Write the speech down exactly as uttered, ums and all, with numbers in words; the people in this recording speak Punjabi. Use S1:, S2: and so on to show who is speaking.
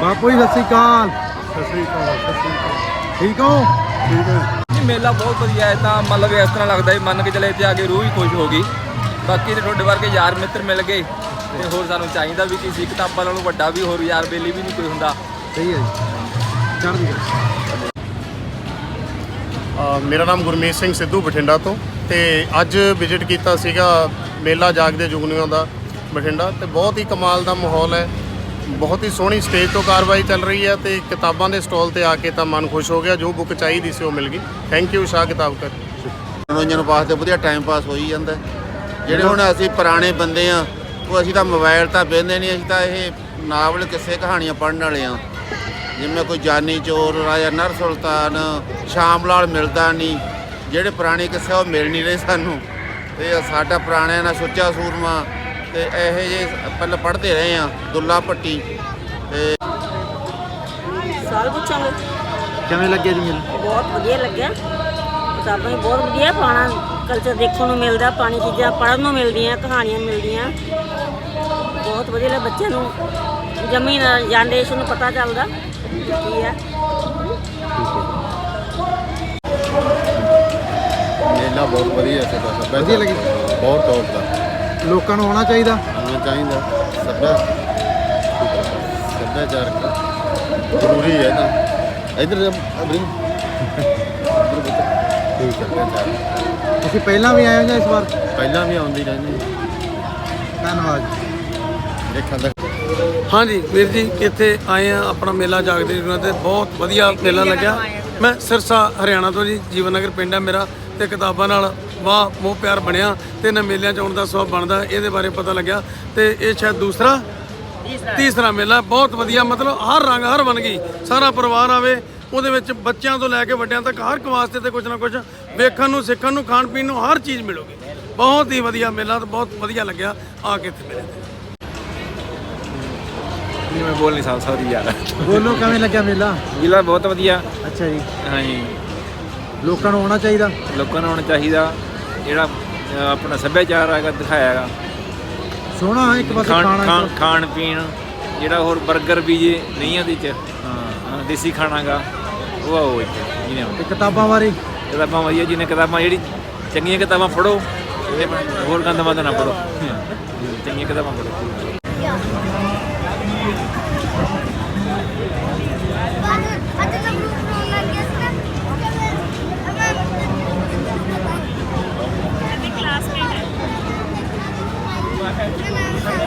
S1: ਬਾਪੂ ਜੀ ਸਤਿ ਸ਼੍ਰੀ ਅਕਾਲ। ਸਤਿ ਸ਼੍ਰੀ ਅਕਾਲ। ਸਤਿ ਸ਼੍ਰੀ ਅਕਾਲ। ਠੀਕ ਹੋ? ਠੀਕ ਹੈ।
S2: ਮੇਲਾ ਬਹੁਤ ਵਧੀਆ ਹੈ। ਤਾਂ ਮਤਲਬ ਇਸ ਤਰ੍ਹਾਂ ਲੱਗਦਾ ਮੰਨ ਕੇ ਚਲੇ ਇੱਥੇ ਆ ਕੇ ਰੂਹ ਹੀ ਖੁਸ਼ ਹੋ ਗਈ। ਬਾਕੀ ਤੇ ਤੁਹਾਡੇ ਵਰਗੇ ਯਾਰ ਮਿੱਤਰ ਮਿਲ ਗਏ ਤੇ ਹੋਰ ਸਾਨੂੰ ਚਾਹੀਦਾ ਵੀ ਕਿਸੇ ਕਿਤਾਬਾਂ ਨਾਲੋਂ ਵੱਡਾ ਵੀ ਹੋਰ ਯਾਰ ਬੇਲੀ ਵੀ ਨਹੀਂ ਕੋਈ ਹੁੰਦਾ।
S1: ਸਹੀ ਹੈ ਜੀ। ਚੜ੍ਹਦੀ ਕਲਾ।
S3: ਮੇਰਾ ਨਾਮ ਗੁਰਮੀਤ ਸਿੰਘ ਸਿੱਧੂ ਬਠਿੰਡਾ ਤੋਂ, ਤੇ ਅੱਜ ਵਿਜ਼ਿਟ ਕੀਤਾ ਸੀਗਾ ਮੇਲਾ ਜਾਗਦੇ ਜੁਗਨੀਆਂ ਦਾ ਬਠਿੰਡਾ, ਤੇ ਬਹੁਤ ਹੀ ਕਮਾਲ ਦਾ ਮਾਹੌਲ ਹੈ। ਬਹੁਤ ਹੀ ਸੋਹਣੀ ਸਟੇਜ ਤੋਂ ਕਾਰਵਾਈ ਚੱਲ ਰਹੀ ਹੈ ਤੇ ਕਿਤਾਬਾਂ ਦੇ ਸਟਾਲ ਤੇ ਆ ਕੇ ਤਾਂ ਮਨ ਖੁਸ਼ ਹੋ ਗਿਆ। ਜੋ ਬੁੱਕ ਚਾਹੀਦੀ ਸੀ ਉਹ ਮਿਲ ਗਈ। ਥੈਂਕ ਯੂ ਸ਼ਾਹ ਕਿਤਾਬ ਕਰ।
S4: ਮਨੋਰੰਜਨ ਵਾਸਤੇ ਵਧੀਆ ਟਾਈਮ ਪਾਸ ਹੋਈ ਜਾਂਦਾ। ਜਿਹੜੇ ਹੁਣ ਅਸੀਂ ਪੁਰਾਣੇ ਬੰਦੇ ਆ, ਉਹ ਅਸੀਂ ਤਾਂ ਮੋਬਾਈਲ ਤਾਂ ਵੇਖਦੇ ਨਹੀਂ, ਅਸੀਂ ਤਾਂ ਇਹ ਨਾਵਲ ਕਿਸੇ ਕਹਾਣੀਆਂ ਪੜ੍ਹਨ ਵਾਲੇ ਆ। ਜਿਵੇਂ ਕੋਈ ਜਾਨੀ ਚੋਰ, ਰਾਜਾ ਨਰ ਸੁਲਤਾਨ, ਸ਼ਾਮ ਲਾਲ ਮਿਲਦਾ ਨਹੀਂ, ਜਿਹੜੇ ਪੁਰਾਣੇ ਕਿੱਸੇ ਉਹ ਮਿਲ ਨਹੀਂ ਰਹੇ ਸਾਨੂੰ। ਤੇ ਸਾਡਾ ਪੁਰਾਣਿਆਂ ਨਾਲ ਸੁੱਚਾ ਸੂਰਮਾ ਤੇ ਇਹੋ ਜਿਹੇ ਪਹਿਲਾਂ ਪੜ੍ਹਦੇ ਰਹੇ ਆ, ਦੁੱਲਾ ਭੱਟੀ। ਤੇ
S5: ਸਾਲ ਪੁੱਛਾਂਗੇ
S1: ਕਿਵੇਂ ਲੱਗਿਆ ਜੀ ਮੇਲਾ?
S5: ਬਹੁਤ ਵਧੀਆ ਲੱਗਿਆ। ਕਿਤਾਬਾਂ ਵੀ ਬਹੁਤ ਵਧੀਆ, ਪੁਰਾਣਾ ਕਲਚਰ ਦੇਖਣ ਨੂੰ ਮਿਲਦਾ, ਪੁਰਾਣੀ ਚੀਜ਼ਾਂ ਪੜ੍ਹਨ ਨੂੰ ਮਿਲਦੀਆਂ, ਕਹਾਣੀਆਂ ਮਿਲਦੀਆਂ। ਬਹੁਤ ਵਧੀਆ ਲੱਗਾ। ਬੱਚਿਆਂ ਨੂੰ ਜਮੀ ਜਨਰੇਸ਼ਨ ਨੂੰ ਪਤਾ ਚੱਲਦਾ ਕੀ ਹੈ।
S4: ਮੇਲਾ ਬਹੁਤ ਵਧੀਆ ਸੀ।
S1: ਵਧੀਆ ਲੱਗੀ?
S4: ਬਹੁਤ ਟੌਪ ਦਾ।
S1: ਲੋਕਾਂ ਨੂੰ ਆਉਣਾ ਚਾਹੀਦਾ।
S4: ਆਉਣਾ ਚਾਹੀਦਾ। ਸੱਭਿਆ ਸੱਭਿਆਚਾਰਕ ਜ਼ਰੂਰੀ ਹੈ ਨਾ। ਇੱਧਰ ਅਬਰੀ
S1: ਠੀਕ ਹੈ। ਤੁਸੀਂ ਪਹਿਲਾਂ ਵੀ ਆਏ ਹੋ ਜਾਂ ਇਸ ਵਾਰ?
S4: ਪਹਿਲਾਂ ਵੀ ਆਉਂਦੀ ਰਹਿੰਦੀ।
S1: ਧੰਨਵਾਦ।
S4: ਦੇਖਣ ਦਾ
S6: ਹਾਂਜੀ ਵੀਰ ਜੀ, ਇੱਥੇ ਆਏ ਆ ਆਪਣਾ ਮੇਲਾ ਜਾਗਦੇ ਜੁਗਨੀਆਂ ਤੇ ਬਹੁਤ ਵਧੀਆ ਮੇਲਾ ਲੱਗਿਆ। ਮੈਂ ਸਿਰਸਾ ਹਰਿਆਣਾ ਤੋਂ ਜੀ, ਜੀਵਨ ਨਗਰ ਪਿੰਡ ਹੈ ਮੇਰਾ, ਤੇ ਕਿਤਾਬਾਂ ਨਾਲ ਵਾਹ ਮੋਹ ਪਿਆਰ ਬਣਿਆ ਤੇ ਇਹਨਾਂ ਮੇਲਿਆਂ 'ਚ ਆਉਣ ਦਾ ਸਵਾਬ ਬਣਦਾ, ਇਹਦੇ ਬਾਰੇ ਪਤਾ ਲੱਗਿਆ। ਤੇ ਇਹ ਸ਼ਾਇਦ ਦੂਸਰਾ ਤੀਸਰਾ ਮੇਲਾ ਬਹੁਤ ਵਧੀਆ। ਮਤਲਬ ਹਰ ਰੰਗ ਹਰ ਬਣ ਗਈ, ਸਾਰਾ ਪਰਿਵਾਰ ਆਵੇ, ਉਹਦੇ ਵਿੱਚ ਬੱਚਿਆਂ ਤੋਂ ਲੈ ਕੇ ਵੱਡਿਆਂ ਤੱਕ ਹਰ ਇੱਕ ਵਾਸਤੇ ਤੇ ਕੁਝ ਨਾ ਕੁਝ ਵੇਖਣ ਨੂੰ, ਸਿੱਖਣ ਨੂੰ, ਖਾਣ ਪੀਣ ਨੂੰ ਹਰ ਚੀਜ਼ ਮਿਲੂਗੀ। ਬਹੁਤ ਹੀ ਵਧੀਆ ਮੇਲਾ ਤੇ ਬਹੁਤ ਵਧੀਆ ਲੱਗਿਆ ਆ ਕੇ ਇੱਥੇ ਮੇਲੇ ਤੇ।
S2: ਮੈਂ ਬੋਲ ਨਹੀਂ ਸਕਦਾ ਯਾਰ।
S1: ਬੋਲੋ ਕਿਵੇਂ ਲੱਗਿਆ ਮੇਲਾ?
S2: ਮੇਲਾ ਬਹੁਤ ਵਧੀਆ।
S1: ਅੱਛਾ ਜੀ।
S2: ਹਾਂਜੀ,
S1: ਲੋਕਾਂ ਨੂੰ ਆਉਣਾ ਚਾਹੀਦਾ।
S2: ਲੋਕਾਂ ਨੂੰ ਆਉਣਾ ਚਾਹੀਦਾ। ਜਿਹੜਾ ਆਪਣਾ ਸੱਭਿਆਚਾਰ ਹੈਗਾ ਦਿਖਾਇਆ ਹੈਗਾ,
S1: ਸੋਹਣਾ ਇੱਕ ਪਾਸੇ
S2: ਖਾਣ
S1: ਖਾਣਾ
S2: ਖਾਣ ਖਾਣ ਪੀਣ, ਜਿਹੜਾ ਹੋਰ 버ਗਰ ਵੀ ਜੇ ਨਹੀਂ ਉਹਦੇ 'ਚ ਹਾਂ ਦੇਸੀ ਖਾਣਾ ਗਾ ਉਹ ਆਓ ਇੱਥੇ ਜਿਹਨੇ
S1: ਤੇ ਕਿਤਾਬਾਂ ਬਾਰੇ
S2: ਕਿਤਾਬਾਂ ਵਧੀਆ। ਜਿਹਨੇ ਕਿਤਾਬਾਂ ਜਿਹੜੀ ਚੰਗੀਆਂ ਕਿਤਾਬਾਂ ਪੜ੍ਹੋ, ਹੋਰ ਗੰਦ ਮੰਦ ਨਾ ਪੜ੍ਹੋ, ਚੰਗੀਆਂ ਕਿਤਾਬਾਂ ਪੜ੍ਹੋ।
S7: क्लासमेट है।